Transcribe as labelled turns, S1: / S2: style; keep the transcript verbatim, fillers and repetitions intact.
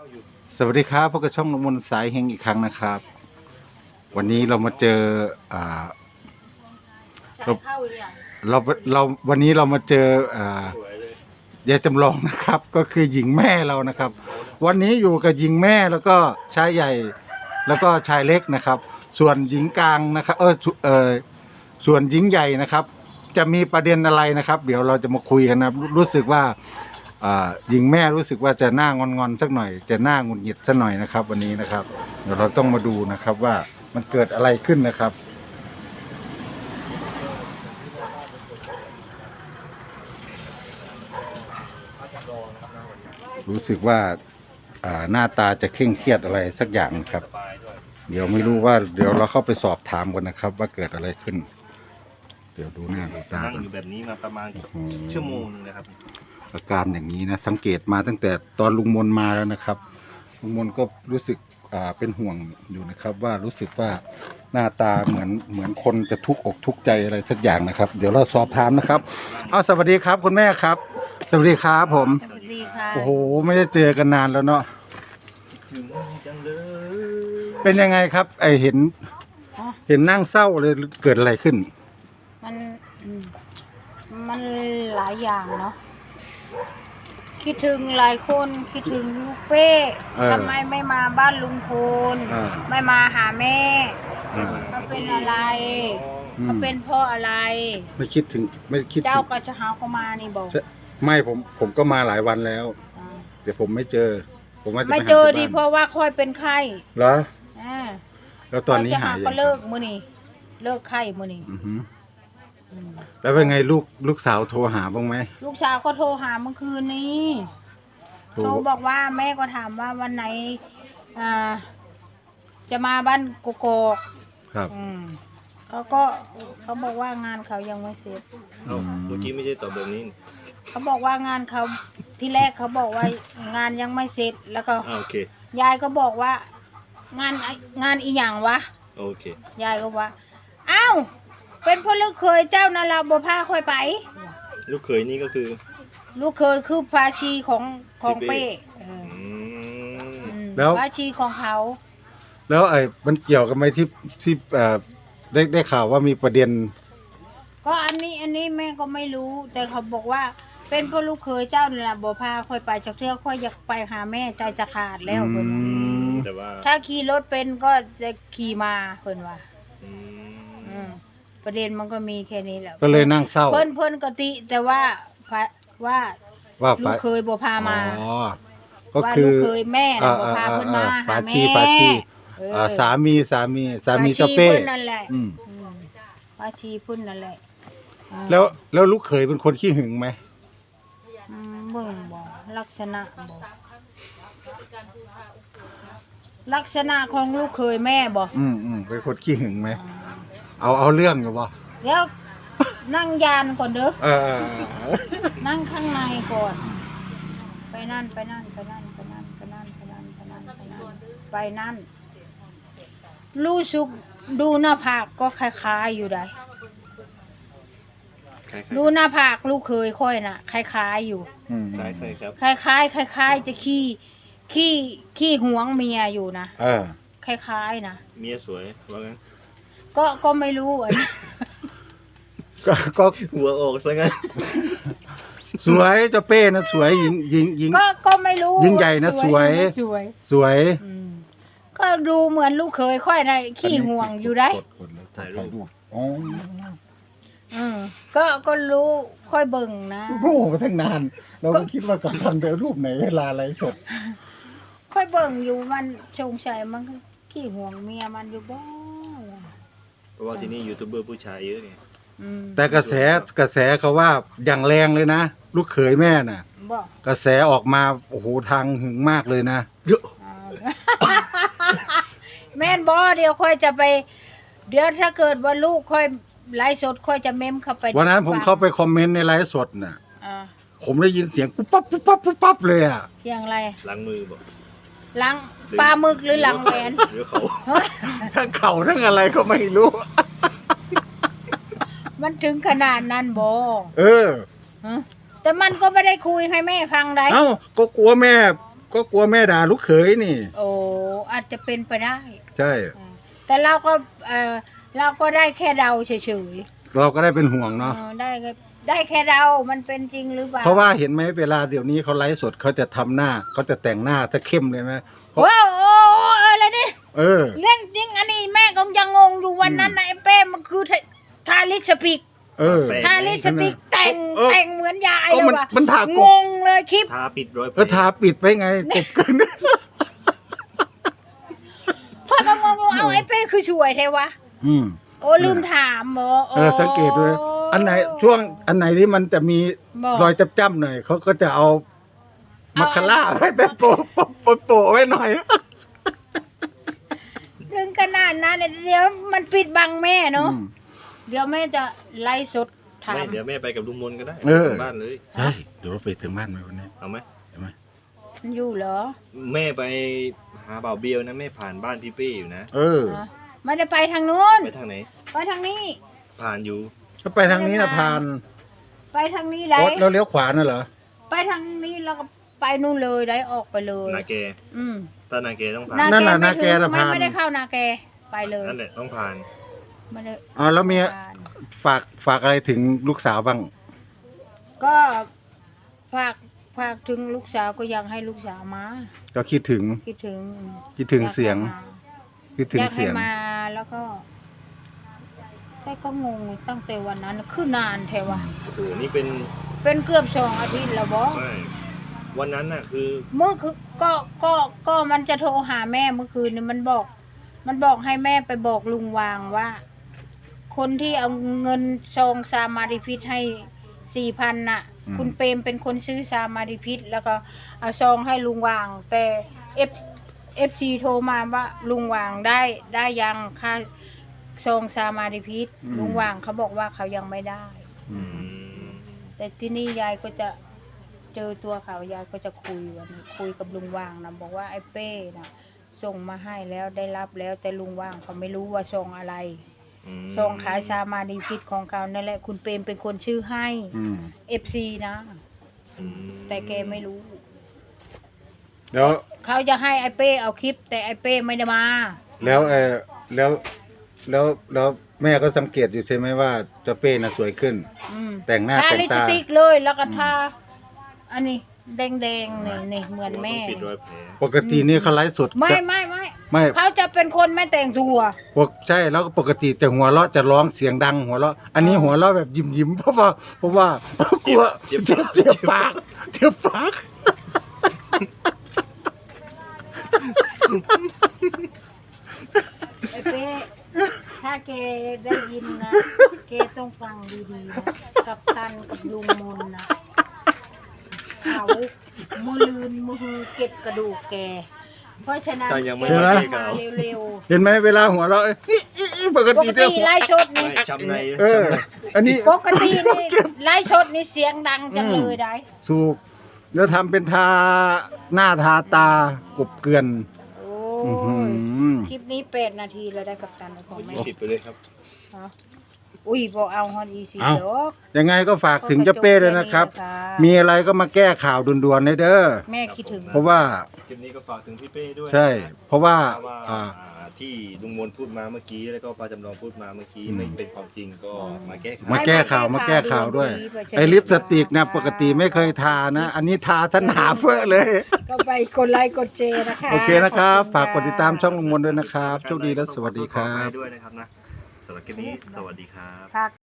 S1: สวัสดีครับพบกับช่องนมนสายเฮงอีกครั้งนะครับ วันนี้เรามาเจออ่าเราเราเราวันนี้เรามาเจออ่ายายจำลองนะครับ ก็คือหญิงแม่เรานะครับ วันนี้อยู่กับหญิงแม่แล้วก็ชายใหญ่แล้วก็ชายเล็กนะครับ ส่วนหญิงกลางนะครับเออเออส่วนหญิงใหญ่นะครับ จะมีประเด็นอะไรนะครับ เดี๋ยวเราจะมาคุยกันนะรู้สึกว่าหญิงแม่รู้สึกว่าจะหน้างอนๆสักหน่อยจะหน้าหงุดหงิดสักหน่อยนะครับวันนี้นะครับเดี๋ยวเราต้องมาดูนะครับว่ามันเกิดอะไรขึ้นนะครับ รู้สึกว่าหน้าตาจะเคร่งเครียดอะไรสักอย่างครับเดี๋ยวไม่รู้ว่าเดี๋ยวเราเข้าไปสอบถามกันนะครับ ว่าเกิดอะไรขึ้น เดี๋ยวดูหน้าดูตา
S2: นั่งอยู่แบบนี้มาประมาณชั่วโมงนึงนะครับ
S1: อาการอย่างนี้นะสังเกตมาตั้งแต่ตอนลุงมนมาแล้วนะครับลุงมนก็รู้สึกอ่าเป็นห่วงอยู่นะครับว่ารู้สึกว่าหน้าตาเหมือนเหมือนคนจะทุกข์อกทุกข์ใจอะไรสักอย่างนะครับ เดี๋ยวเราสอบถามนะครับอ้าวสวัสดีครับคุณแม่ครับสวัสดีครับผม
S3: สวัสดีค่ะ
S1: โอ้โหไม่ได้เจอกันนานแล้วเนาะ
S2: ถึงจังเลย
S1: เป็นยังไงครับไอเห็นเห็นนั่งเศร้าเลยเกิดอะไรขึ้น
S3: มันอืมมันหลายอย่างเนาะคิดถึงหลายคนคิดถึงลูกเป้
S1: เออ
S3: ทำไมไม่มาบ้านลุงพล
S1: เออ
S3: ไม่มาหาแม่
S1: อ่า
S3: เขาเป็นอะไร
S1: อืม
S3: เขาเป็นเพราะอะไร
S1: ไม่คิดถึงไม่คิดถึ
S3: เจ้าง ก็จะหาเขามานี่บอก
S1: ไม่ผมผมก็มาหลายวันแล้ว
S3: อ่า
S1: แต่ผมไม่เจอ ผมว่าจะป
S3: ไม่
S1: หา
S3: เจอ
S1: ที่
S3: ดี
S1: บ้าน
S3: เพราะว่าค่อยเป็นไข้
S1: เหรอ
S3: อ่า
S1: แล้วตอนนี้
S3: จะ
S1: หาย
S3: ก็
S1: ยัง
S3: เลิกมื้อนี้เลิกไข้มื้อนี้
S1: อือหือ
S3: อืม
S1: แล้วเป็นไงลูกลูกสาวโทรหาบ้างไหม
S3: ลูกสาวก็โทรหาเมื่อคืนนี้
S1: โทร
S3: เขาบอกว่าแม่ก็ถามว่าวันไหนอ่าจะมาบ้านกกอก
S1: ครับ
S3: อืมเขาก็เขาบอกว่างานเขายังไม่เสร็จ
S2: เอ้าเมื่อกี้ไม่ได้ตอบแบบนี้
S3: เขาบอกว่างานเขาที่แรกเขาบอกว่างานยังไม่เสร็จ แล้วก็
S2: อ่าโอเค
S3: ยายก็บอกว่า งานงานอีหยังวะ
S2: โอเค
S3: ยายก็ว่าอ้าวเป็นพ่อลูกเคยเจ้านาราบพาค่อยไป
S2: ลูกเขยนี่ก็คือ
S3: ลูกเคยคือภาชีของของ
S2: พี่เป้
S3: เป้เออ
S2: อืม
S3: อืม
S1: แล้ว
S3: ภาชีของเขา
S1: แล้วไอ้มันเกี่ยวกันไหมที่ที่เอ่อได้ได้ข่าวว่ามีประเด็น
S3: ก็อันนี้อันนี้แม่ก็ไม่รู้ แต่เขาบอกว่า เป็นพ่อลูกเคยเจ้านี่แหละบ่พาค่อยไปจากเทือกค่อยอยากไปหาแม่ใจจะขาดแล้วเพิ่นว่า
S1: อืม
S2: แต่ว่า
S3: ถ้าขี่รถเป็นก็จะขี่มาเพิ่นว่า
S2: อื
S3: อื
S2: ม
S3: มประเด็นมันก็มีแค่นี้แหละ
S1: ก็เลยนั่งเศร้า
S3: เพิ่นเพิ่นกติ แต่ว่าพะว่า
S1: ว่า
S3: ลู
S1: ฝ่าก
S3: เคยบ่พามา
S1: อ๋อก็
S3: ว่า
S1: คื
S3: ลู
S1: อก
S3: เคยแม่น่ะบ่พา
S1: อ่า
S3: เพิ่นมา
S1: อ่า
S3: หา
S1: ฝา
S3: แม่
S1: ชีฝาชี
S3: เออ
S1: อ่าสามีสามีสามี
S3: ฝ
S1: เจ้าเป้
S3: ชีพิ่นนั่นแหละ
S1: อืม
S3: อืมฝาชีเพิ่นนั่นแหละอืม
S1: แล้วแล้วลูกเขยเป็นคนขี้หึงไหม
S3: อืมเบิ่งบ่ลักษณะบ่ลักษณะของลูกเคยแม่บ่
S1: อืมอืมเป็นคนขี้หึงไหมเอาเอาเรื่องอยู่บ่
S3: เดี๋ยวนั่งยานก่อนเด้อ
S1: เออเออเออ
S3: นั่งข้างในก่อน ไปนั่นไปนั่นไปนั่นไปนั่นไปนั่นไปนั่นไปนั่นไปนั่นไปนั่นรู้สึกดูหน้าผากก็คล้ายๆอยู่ได้
S2: คล้าย
S3: ดูหน้าผากลูกเคยค่อยน่ะคล้ายๆอยู่
S1: อืม
S2: ๆคล้ายๆครับ
S3: คล้ายๆคล้ายๆจะขี้ขี้ขี้หวงเมียอยู่นะ
S1: เออ
S3: คล้ายๆนะ
S2: เมียสวยว่างั้น
S3: ก็ก็ไม่รู้อันนี้
S1: ก็ก็
S2: หัวออกซะงั้น
S1: สวยเจ้าเป้นะสวยหญิงหญิงหญิง
S3: ก็ก็ไม่รู้
S1: ยิ่งใหญ่นะสวย
S3: สวย
S1: สวย
S3: อืมก็ดูเหมือนลูกเคยค่อยนะขี้ห่วงอยู่ได้
S1: กดกดแล้ว
S2: ถ่ายรูป
S1: อ๋อ
S3: อืมก็ก็รู้ค่อยเบิ่งนะ
S1: โอ้โหมาตั้งนาน เราก็คิดว่ากับทันเดี๋ยวรูปไหนเวลาอะไรสด
S3: ค่อยเบิ่งอยู่มันสงสัยมันก็ขี้ห่วงเมียมันอยู่บ่
S2: เพราะว่าที่นี่ยูทูบเบอร์ผู้ชายเยอะไง
S3: อืม
S1: แต่กระแสกระแสเขาว่าอย่างแรงเลยนะ ลูกเขยแม่น่ะ
S3: บ่
S1: กระแสออกมาโอ้โหทางหึงมากเลยนะ
S2: เยอะ
S3: เอา แม่นบ่เดี๋ยวค่อยจะไป เดี๋ยวถ้าเกิดว่าลูกค่อยไลฟ์สดค่อยจะเมมเข้าไป
S1: วันนั้นผมเข้าไปคอมเมนต์ในไลฟ์สดน่ะ
S3: อ่า
S1: ผมได้ยินเสียงปุ๊บปั๊บปุ๊บปั๊บปุ๊บปั๊บเลยอ่ะ
S3: เสียงอะไร
S2: ล้างมือบอก
S3: หลังปลาหมึกหรือหลังแหวน
S2: หรือเขา
S1: ทั้งเข่าทั้งอะไรก็ไม่รู้
S3: มันถึงขนาดนั้นบ่
S1: เออ
S3: ฮะแต่มันก็ไม่ได้คุยให้แม่ฟังได้
S1: เอ้าก็กลัวแม่ก็กลัวแม่ด่าลูกเขยนี่
S3: โอ้อาจจะเป็นไปได้
S1: ใช่
S3: อ่าแต่เราก็เออเราก็ได้แค่เดาเฉย
S1: เราก็ได้เป็นห่วง
S3: ๆ
S1: เนาะ
S3: เออได้แค่ได้แค่เดามันเป็นจริงหรือเปล่า
S1: เพราะว่าเห็นไหมเวลาเดี๋ยวนี้เขาไลฟ์สดเขาจะทำหน้าเขาจะแต่งหน้าจะเข้มเลยไหมเขา
S3: ว้าวโอ้อะไรดิ
S1: เออ
S3: เรื่องจริงอันนี้แม่ก็ยังงงอยู่วันนั้นนะไอ้เป้มันคือทาทาลิปสติก
S1: เออ
S3: ทาลิปสติกแต่ง
S1: เออ
S3: แต่งเหมือนยาย
S1: เออ
S3: เลย
S1: มัน
S3: ว่ะ
S1: มันทากบ
S3: งงเลยคลิป
S2: ทาปิดรอยแผล
S1: ก็ทาปิดไปไงกบกัน
S3: พ่อก็งงอยู่เอาไอ้เป้คือช่วยเทวะ
S1: อืม
S3: โอ้ลืมถามหมอ
S1: เออสังเกตด้วยอันไหนช่วงอันไหนที่มันจะมี
S3: บอก
S1: รอยจ้ำๆหน่อยเขาก็จะเอามาคาร่าไว้แบบโปะโปะโปะโปะไว้หน่อย
S3: เรื่องขนาดนั้นเนี่ยเดี๋ยวมันปิดบังแม่เนาะ
S1: อืม
S3: เดี๋ยวแม่จะไล่สดถา
S2: ไม่
S3: ม
S2: เดี๋ยวแม่ไปกับลุงมนก็ได้
S1: เออ
S2: ถึงบ้านเลย
S1: ใช่เดี๋ยวเราไปถึงบ้านไหมวันนี้
S2: เอาไหม
S1: เห็นไหม
S3: มันอยู่เหรอ
S2: แม่ไปหาบ่าวเบียวนะแม่ผ่านบ้านพี่เป้อยู่นะ
S1: เออ
S3: ฮะไม่ได้ไปทางนู้น
S2: ไปทางไหน
S3: ไปทางนี้
S2: ผ่านอยู่
S1: ถ้าไปทางนี้นะพาน
S3: ไปทางนี้ไร
S1: โอ๊ตเราเลี้ยวขวาน่ะเหรอ
S3: ไปทางนี้แล้วก็ไปนู่นเลยได้ออกไปเลย
S2: นาแก
S3: อืม
S2: ถ้านาแกต้องผ่าน
S1: นั่นแหละ
S3: ไม่
S1: นาแก
S3: ถึง
S1: น่ะ
S3: ไม่
S1: ผ่าน
S3: ไม่ได้เข้านาแกไปเลย
S2: นั่นแหละต้องผ่าน
S3: ไม่ได้
S1: อ๋อแล้วมี
S3: ผ่าน
S1: ฝากฝากอะไรถึงลูกสาวบ้าง
S3: ก็ฝากฝากถึงลูกสาวก็อยากให้ลูกสาวมา
S1: ก็คิดถึง
S3: คิดถึง
S1: คิดถึงเสียง คิดถึ
S3: อง ยากให้
S1: เสียง
S3: มาแล้วก็แต่ก็งงตั้งแต่วันนั้นคือนานแท้วะ
S2: โอ้โหนี่เป็น
S3: เป็นเกือบสองอาทิตย์แล้วบอ
S2: ไม่วันนั้นน่ะคือ
S3: เมื่อคือก็ก็ก็มันจะโทรหาแม่เมื่อคืนนี่มันบอก มันบอกให้แม่ไปบอกลุงวางว่า คนที่เอาเงินซองซามาริพิษให้สี่พันน่ะ
S1: อืม
S3: คุณเปรมเป็นคนซื้อซามาริพิษแล้วก็เอาซองให้ลุงวาง แต่เอฟเอฟซีโทรมาว่าลุงวางได้ได้ยังค่าซองซามาริพิษลุงวางเขาบอกว่าเขายังไม่ได้
S1: อื
S2: อื
S1: ม
S2: ม
S3: แต่ที่นี่ยายก็จะเจอตัวเขายายก็จะคุยวันนี้คุยกับลุงว่างนะบอกว่าไอ้เป้นะส่งมาให้แล้วได้รับแล้วแต่ลุงว่างเขาไม่รู้ว่าส่งอะไร
S2: อืม
S3: ส่งขายซามาดีพิษของเขานั่นแหละคุณเปรมเป็นคนชื่อให้
S1: อืม
S3: เอฟซีนะ
S2: อืม
S3: แต่แกไม่รู้
S1: แล้ว
S3: เขาจะให้ไอ้เป้เอาคลิป แต่ไอ้เป้ไม่ได้มา
S1: แล้วเออแล้วแล้วแล้วแม่ก็สังเกตอยู่ใช่ไหมว่าเจ้าเป้น่ะสวยขึ้น
S3: อืม
S1: แต่งหน้า
S3: ทา
S1: แต่ง
S3: ลิปส
S1: ตา
S3: ติกเลยแล้วก็ทาอันนี้แดงๆนี่นี่เหมือนแม่
S2: ต้องปิดรอยแผล
S1: ปกตินี่เขาไลฟ์สด
S3: ไม่
S1: จะ
S3: ไม่ไม่
S1: ไม่
S3: เขาจะเป็นคนไม่แต่งตัว
S1: ปกใช่แล้วก็ปกติแต่หัวเราะจะร้องเสียงดังหัวเราะอันนี้หัวเราะแบบยิ้มยิ้มๆเพราะว่าเพราะว่ากลัว
S2: เจ็บ
S1: เจ็บเจ็บปากเจ็บปาก
S3: ไอ้เป้ถ้าแกได้ยินนะแกต้องฟังดีๆนะกับตันกับลุงมนนะเขามือลืนมือเก็บกระดูกแก เพราะฉะนั้น
S2: แต่ยังไม่
S3: แก
S2: ได้
S3: ต้อง
S2: เก่า
S3: มาเร็ว
S1: เห็นไหมเวลาหัวเราะเอ้ยอิ๊ะอิ๊ะอิ๊ะปก
S3: ๆ ป
S1: ติ
S3: ก
S1: จะ
S3: ติ
S1: หัว
S3: ไล่ชดนี่
S2: ไม่ช้ำใน
S1: เออ อันนี้
S3: ปกตินี่ไล่ชดนี่เสียงดังจังเลยได้
S1: สูกแล้วทำเป็นทาหน้าทาตากบเกลือน
S3: โอ้
S1: อื้อหื
S3: ย
S1: อ
S3: คลิปนี้แปดนาทีแล้วได้กับตันของแม่
S2: ปิดไปเลยครับ
S3: ฮะอุ้ยบอกเอาฮอนอีซี
S1: เอ้า
S3: ดอก
S1: ยังไงก็ฝากถึงเจ้าเป้ด้วยนะครับ
S3: ก็จแ
S1: มีอะไรก็มาแก้ข่าวด่วนๆเลยเด้อ
S3: แม่คิดถึง
S1: เพราะว่า
S2: คลิปนี้ก็ฝากถึงพี่เป้ด้วย
S1: ใช่ เพราะว่า
S2: ว่า
S1: อ่า
S2: อ่าที่ลุงมนพูดมาเมื่อกี้แล้วก็ป้าจำลองพูดมาเมื่อกี้
S1: อืม
S2: ไม่เป็นความจริงก็มาแก้ไข
S1: มาแก้ข่าวมาแก้ข่าวด้วย ไอ้ลิปสติกนะปกติไม่เคยทานะ อันนี้ทาทันหนาเฟ้อเลย
S3: ก็ไปกดไลค์กดเจนะคะ
S1: โอเคนะครับ
S3: ข
S1: ฝา
S3: อก ณ
S1: กดติดตามช่องลุงมนด้วยนะครับโชคดีและสวัสดีครับ
S2: ด้วยนะครับนะสำหรับคลิปนี้สวัสดีครับ
S3: ค่ะ